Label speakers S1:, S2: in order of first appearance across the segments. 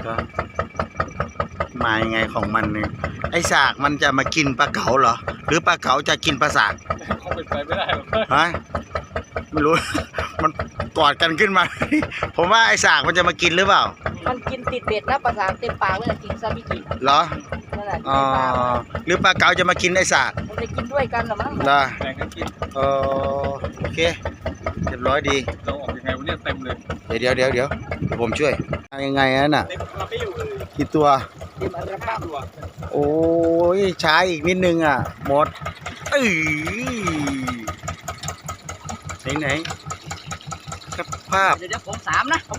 S1: ก็มายังไงของมันเนี่ยไอ้สากมันจะมากินปลาเก๋าเหรอหรือปลาเก๋าจะกินปลาสาก
S2: คงเป็นไปไม่ได้หรอก
S1: ฮะไม่รู้ มันกอดกันขึ้นมา ผมว่าไอ้สากมันจะมากินหรือเปล่า
S3: มันกินติดเบ็ดนะปลาสากเต็มปากเลยกินซาบิกิ
S1: เหรออ๋อหรือปลาเก๋าจะมากินไอ้สาก
S3: มันจะกินด้วยกันหรอมั้ง
S1: เหรอ
S2: แบ่งกันกิน
S1: โอเคเรียบร้อยดี
S2: เราออกยังไงวันนี้เต็มเลย
S1: เดี๋ยวผมช่วยยังไงน่ะกี่ตัวโอ้ยช้าอีกนิดนึงอ่ะหมดไหนกับภาพ
S3: เดี๋ยวผมสามนะ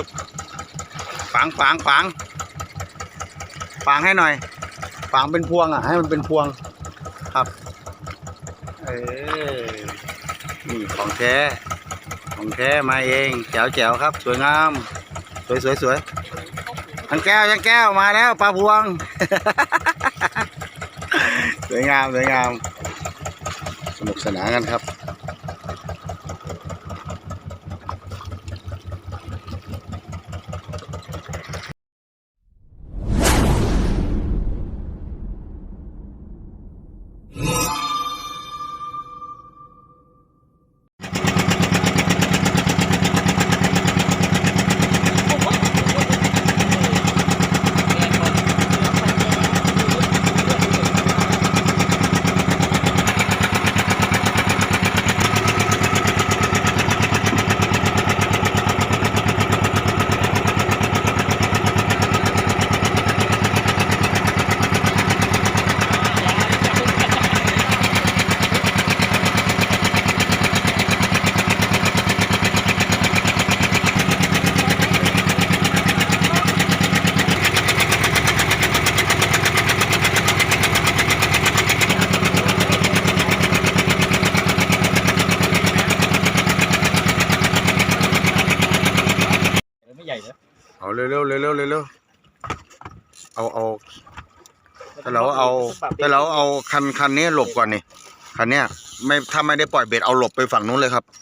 S1: ฝังให้หน่อยฝังเป็นพวงอ่ะให้มันเป็นพวงครับนี่ของแท้มาเองแจ๋วครับสวยงามสวยยังแก้วมาแล้วปลาพวง สวยงามสนุกสนานกันครับเอาเร็วเอาแต่เราเอาคันนี้หลบก่อนนี่คันเนี้ยไม่ถ้าไม่ได้ปล่อยเบ็ดเอาหลบไปฝั่งนู้นเลยครับ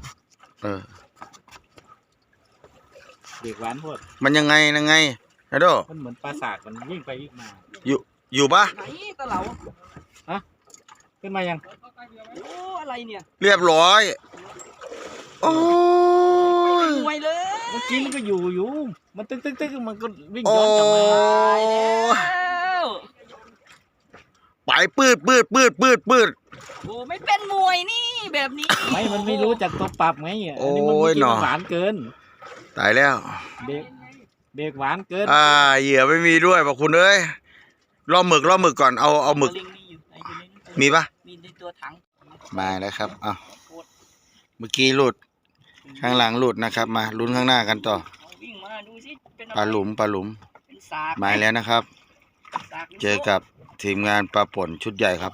S2: เด็กหวานพวด
S1: มันยังไงไอ้โด
S2: มันเหมือนปลาสากมันวิ่งไปวิ่งมา
S1: อยู่ปะ
S3: ไหนตะเหลา
S2: ฮะขึ้นมายัง
S3: โอ้อะไรเนี่ย
S1: เรียบร้อยโอ้
S3: ยมวยเลย
S2: เมื่อกี้มันก็อยู่มันตึ๊กมันก็วิ่งย้อนกลับมา
S1: ไปปืด
S3: โอ้ไม่เป็นมวยนี่แบบนี้
S2: มันไม่รู้จักตัวปรับไงอันนี้มันหวานเกิน
S1: ตายแล้ว
S2: เบรกหวานเกิน
S1: เหยื่อไม่มีด้วยบอกคุณเอ้ยล่อหมึกก่อนเอาหมึกมีปะ
S3: มีในตัวถัง
S1: มาแล้วครับเมื่อกี้หลุดข้างหลังหลุดนะครับมาลุ้นข้างหน้ากันต่อปลาหลุมมาแล้วนะครับเจอกับทีมงานปลาป่นชุดใหญ่ครับ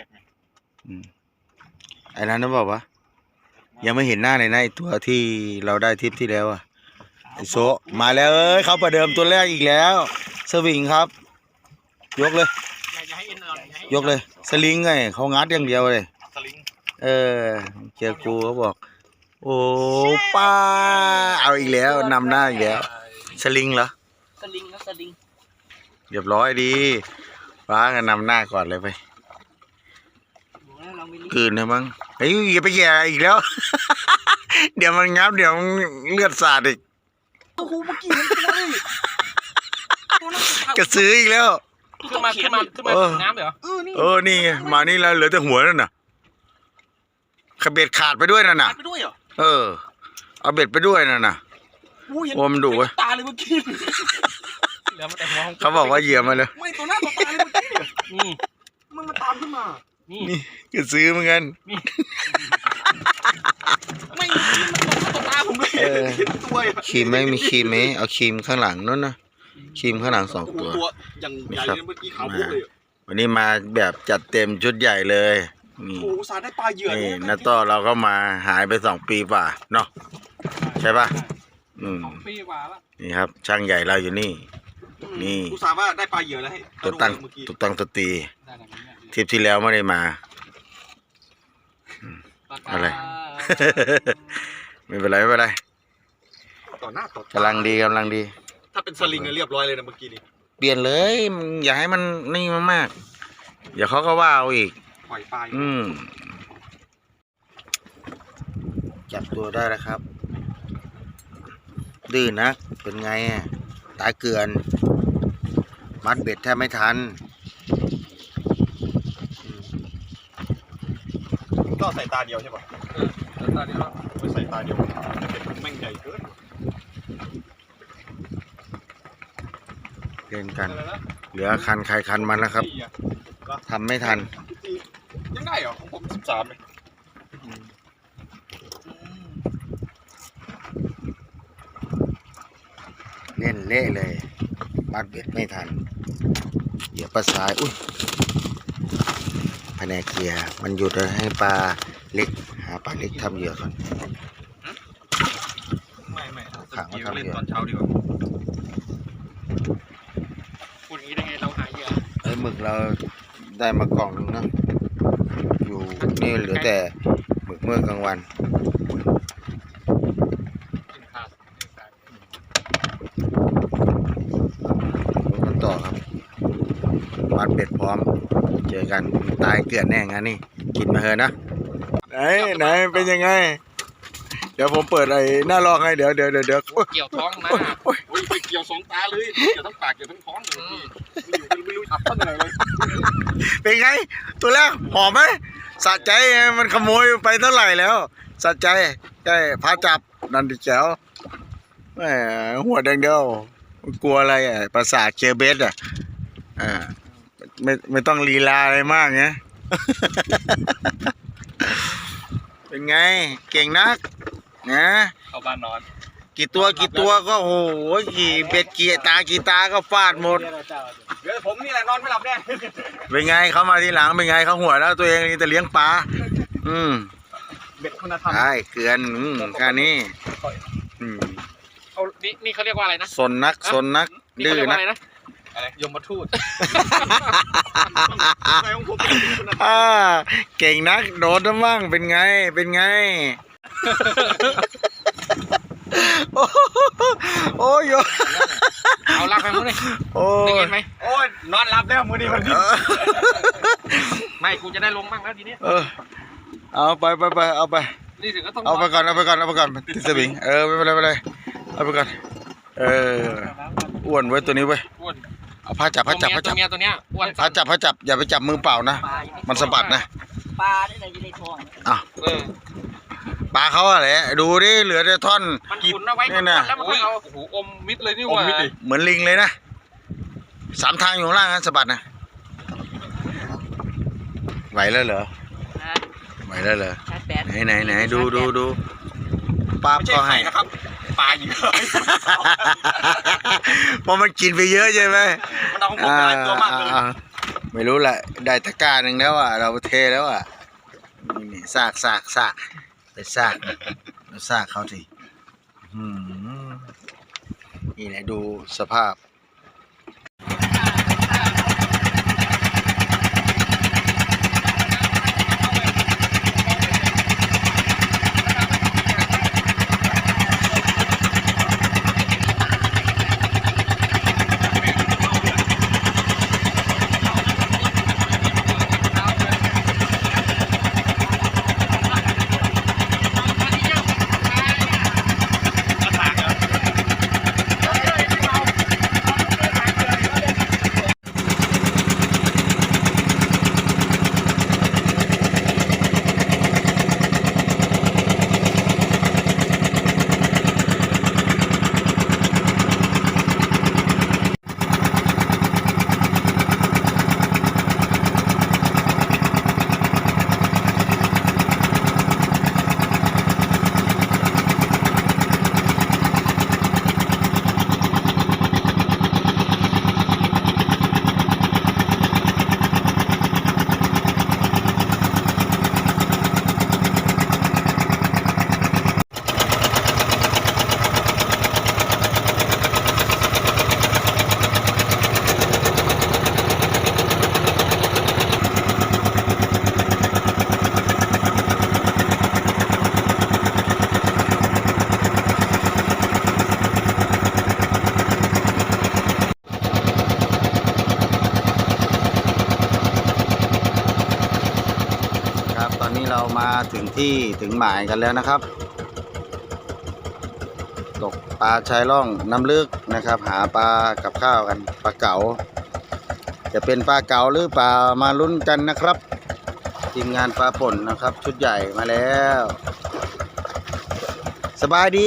S1: ไอ้นั้นนะบอกว่ายังไม่เห็นหน้าเลยนะไอ้ตัวที่เราได้ทริปที่แล้วอะไอ้โซมาแล้วเขาประเดิมตัวแรกอีกแล้วสวิงครับยกเลยสลิงไงเขางัดอย่างเดียวเลยเจอกูเขาบอกโอ้ป้าเอาอีกแล้วนำหน้าอีกแล้วสลิงเหรอ
S3: สลิง
S1: เรียบร้อยดีป้ากันนำหน้าก่อนเลยไปคืนนะมั้งเฮ้ยอย่าไปแย่อีกแล้ว เดี๋ยวมันงับเดี๋ยวเลือดสาดอีก
S3: โอ้โหเมื่อกี้
S1: กระซื้ออีกแล้ว
S2: ขึ้นมาน้ำเหร
S1: อนี่ไงมานี่แล้วเหลือแต่หัวนั่นน่ะขเบ็ดขาดไปด้วยนั่นน่ะเอาเบ็ดไปด้วยนั่นน่ะโอ้มันดุเว้ย
S2: ตาเลยเมื่อกี้
S1: เขาบอกว่าเหยื่อมาเลย
S3: ไม่ตัวหน้าตัวตาเลยเมื่อกี้นี่มันมาตามขึ้นมา
S1: นี่ก็ซื้อเหมือนกัน
S3: ไม่มันตกตัวตาผมเลยตัว
S1: ครีมไม่มีครีมไหมเอาครีมข้างหลังนั่นนะครีมข้างหลัง2 ตัว
S3: อย่างใหญ่เลยเมื่อกี้ขาวเลย
S1: วันนี้มาแบบจัดเต็มชุดใหญ่เลย
S3: โอ้สาได้ปลาเหยื่อ
S1: นี่น้าต้อเราก็มาหายไป2 ปีกว่าเนาะใช่ป่ะ
S2: 2 ปีกว่าละ
S1: นี่ครับช่างใหญ่เราอยู่นี่
S3: อุตส่าห์ว่าได้ปลาเหยื่อแล้วให้
S1: ตัวตั้งตัวตีทริปที่แล้วไม่ได้มาอะไร ไม่เป็นไร
S3: ต่อหน้าต่อตาก
S1: ำลังดี
S3: ถ้
S4: ถ้าเป็นสลิงเรียบร้อยเลยนะเมื่อกี้นี้
S1: เปลี่ยนเลยอย่าให้มันนี่มากๆเดี๋ยวเขาก็ว่าเอาอีก
S4: ปล่อยปลาย
S1: จับตัวได้แล้วครับ ดื้อนักเป็นไงอ่ะตายเกลือน มัดเบ็ดแทบไม่ทัน
S4: ก็ใส่ตาเดียวใช่ป่ะ
S2: ตาเดียว
S4: ไม่ใส่ตาเดียวเป็นแม่งใหญ่เกิน
S1: เล่นกัน เหลือคันใครคันมันแล้วครับทำไม่ทัน
S4: ยังได้เหรอของผม13เลย
S1: เล่นเละเลย มัดเบ็ดไม่ทัน เดี๋ยวปลาสาย อุ้ยแผนกเกียร์มันหยุดแล้วให้ปลาเล็ก หาปลาเล็กทำเหยื่อก่อน
S4: ไม่
S1: ขังไว้ทำเหยื่อ
S4: เล่นตอนเช้าดีกว่า
S2: พูดอย่างนี้ได้ไงเราหายเหยื่อ
S1: ไอ้หมึกเราได้มากล่องนึงนะอยู่นี่เหลือแต่หมึกเมื่อกลางวัน ดูกันต่อครับ มัดเบ็ดพร้อม เจอกันตายเกลือนแน่งานนี่กินมาเถอะนะ ไหนเป็นยังไง เดี๋ยวผมเปิดไอ้หน้าลอกให้เดี๋ยวโอ๊ย
S2: เกี่ยวท้องนะ
S4: โอ้ยไปเกี่ยว2 ตาเลยเกี่ยวทั้งปากเกี่ยวทั้งท้องเลยไม่รู้ทับต้นอะไรเลย
S1: เป็นไง ตัวแรกหอมไหมสะใจไงมันขโมยไปเท่าไหร่แล้วสะใจใช่พาจับนันดิแจ๋วแหมหัวแดงเดียวกลัวอะไรอ่ะประสาทเคเบสอ่ะไม่ต้องลีลาอะไรมากไง เป็นไง เก่งนักนะ
S2: เข้าบ้านนอน
S1: กี่ตัวก็โอ้โหกี่เบ็ดกี่ตาก็ฟาดหมด
S4: เดี๋ยวผมนี่แหละนอนไม่หลับแน่
S1: เป็นไงเขามาทีหลังเป็นไงเขาหัวแล้วตัวเองนี่แต่เลี้ยงปลา
S4: เบ็ดคุณธรรม
S1: ใช่เกลือนแค่นี้
S2: เอานี่เขาเรียกว่าอะไรนะ
S1: สนนักดื้อ
S2: เรียก
S1: นั
S2: ว่าก อะไรนะอะไรยมทูต
S4: อะไรของผมเป็นคุณธรรม
S1: เก่งนักโดดน้ำมั่งเป็นไงโอ้ย
S2: เอาลากไปมั้งเลย
S1: โอ้
S2: ได้
S1: ย
S2: เห็นไหม
S4: โอ้ยนอนหลับแล้วมื้อนี้มัน
S2: ไม่กูจะได้ลงบ้างแล้วทีนี้
S1: เอาไปเอาไป
S2: นี่ถึงก็ต้อง
S1: เอาไปก่อนติดสวิงไม่เป็นไรเอาไปก่อนอ้วนไว้ตัวนี้ไว้
S2: อ้วน
S1: เอาผ้าจับ
S2: ตัวเมียตัวเนี้ยอ้วน
S1: ผ้าจับอย่าไปจับมือเปล่านะมันสะบัดนะ
S3: ปลาได้เลยอยู่ในท้อง
S1: อ้าวปลาเขาอะไรดูดิเหลือแต่ท่อน
S2: มันขุนเอาไว้
S1: นี่นะ
S2: แล้วมันก็เอาโอ้โหอมมิดเลยนี่หว่า
S1: เหมือนลิงเลยนะ3 ทางอยู่ข้างล่างนะสะบัดนะไหวแล้วเหรอ
S3: ชาร์จแบต
S1: ไหนดูป้า
S4: ไม่ใช่
S1: ก็
S4: ไข่
S1: ให้
S4: นะครับปลาอยู่
S1: เพราะมันกินไปเยอะใช่ไหม
S4: มันเอาของผมหลายตัวมากเลย
S1: ไม่รู้แหละได้ตะกร้าหนึ่งแล้วอ่ะเราเทแล้วอ่ะนี่ซากไปซากเขาสินี่แหละดูสภาพเรามาถึงที่ถึงหมายกันแล้วนะครับ ตกปลาชายล่องน้ำลึกนะครับ หาปลากับข้าวกันปลาเก๋าจะเป็นปลาเก๋าหรือปลามาลุ้นกันนะครับทีมงานปลาป่นนะครับ ชุดใหญ่มาแล้ว สบายดี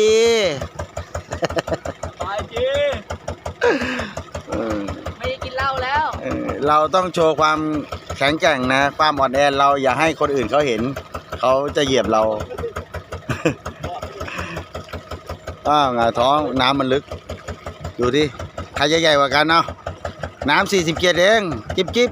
S2: ไปจี
S1: เออ
S3: ไม่ได้กินเหล้าแล้ว
S1: เราต้องโชว์ความแข็งแกร่งนะ ความอ่อนแอเราอย่าให้คนอื่นเขาเห็น เขาจะเหยียบเรา หงายท้องน้ำมันลึก ดูดิใครจะใหญ่กว่ากันเนาะน้ำ40 เกียรเองจิ๊บจิ๊บ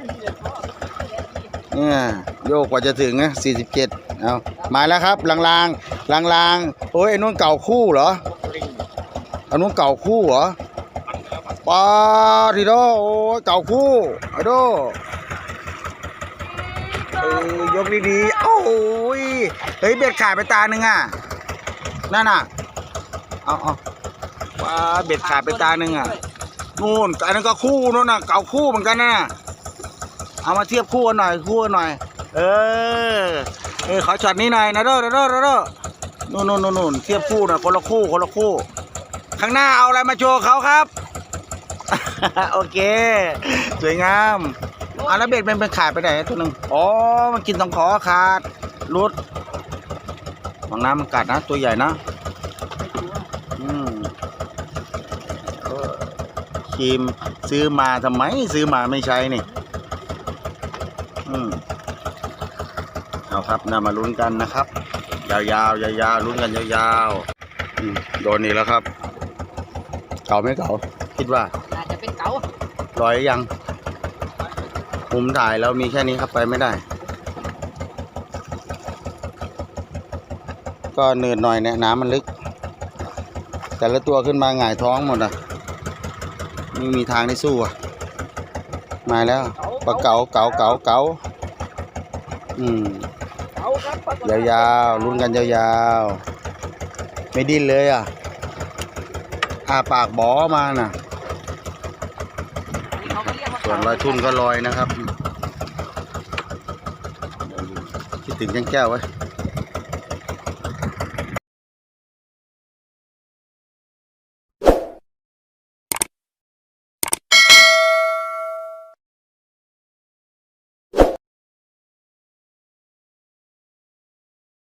S1: เนี่ยโยกกว่าจะถึงนะ47เอามาแล้วครับลางโอ้ยไอ้นู้นเก่าคู่เหรออันนู้นเก่าคู่เหรอปาทีโดโอ้ยเก่าคู่ไอ้โดยกดีๆโอ้ยเฮ้ยเบ็ดขาดไปตาหนึ่งอ่ะนั่นน่ะเอาว้าเบ็ดขาดไปตาหนึ่งอ่ะนู่นอันนั้นก็คู่นู่นน่ะเก่าคู่เหมือนกันนะเอามาเทียบคู่กันหน่อยเออขอช็อตนี้หน่อยนะโดนู่นเทียบคู่หน่อยคนละคู่ข้างหน้าเอาอะไรมาโชว์เขาครับ โอเคสวยงามเอาแล้วเบ็ดมันเป็นขาดไปไหนตัวหนึ่งอ๋อมันกินตรงขอขาดรุดของน้ำมันกัดนะตัวใหญ่นะครีมซื้อมาทำไมซื้อมาไม่ใช้นี่เอาครับนำมาลุ้นกันนะครับยาวๆลุ้นกันยาวๆโดนอีกแล้วครับเก่าไม่เก่าคิดว่า
S3: น่าจะเป็นเก๋า
S1: ลอยยังมุมถ่ายเรามีแค่นี้ครับไปไม่ได้ ก็เนินหน่อยเนี่ยน้ำมันลึก แต่ละตัวขึ้นมาหงายท้องหมดอ่ะไม่มีทางได้สู้อ่ะมาแล้วปลาเก๋ายาวๆลุ้นกันยาวๆไม่ดิ้นเลยอ่ะปากบอมาน่ะ
S3: เขาก็เรียกว่า
S1: ส่วนลอยทุ่นก็ลอยนะครับคิดถึงแก้วไว้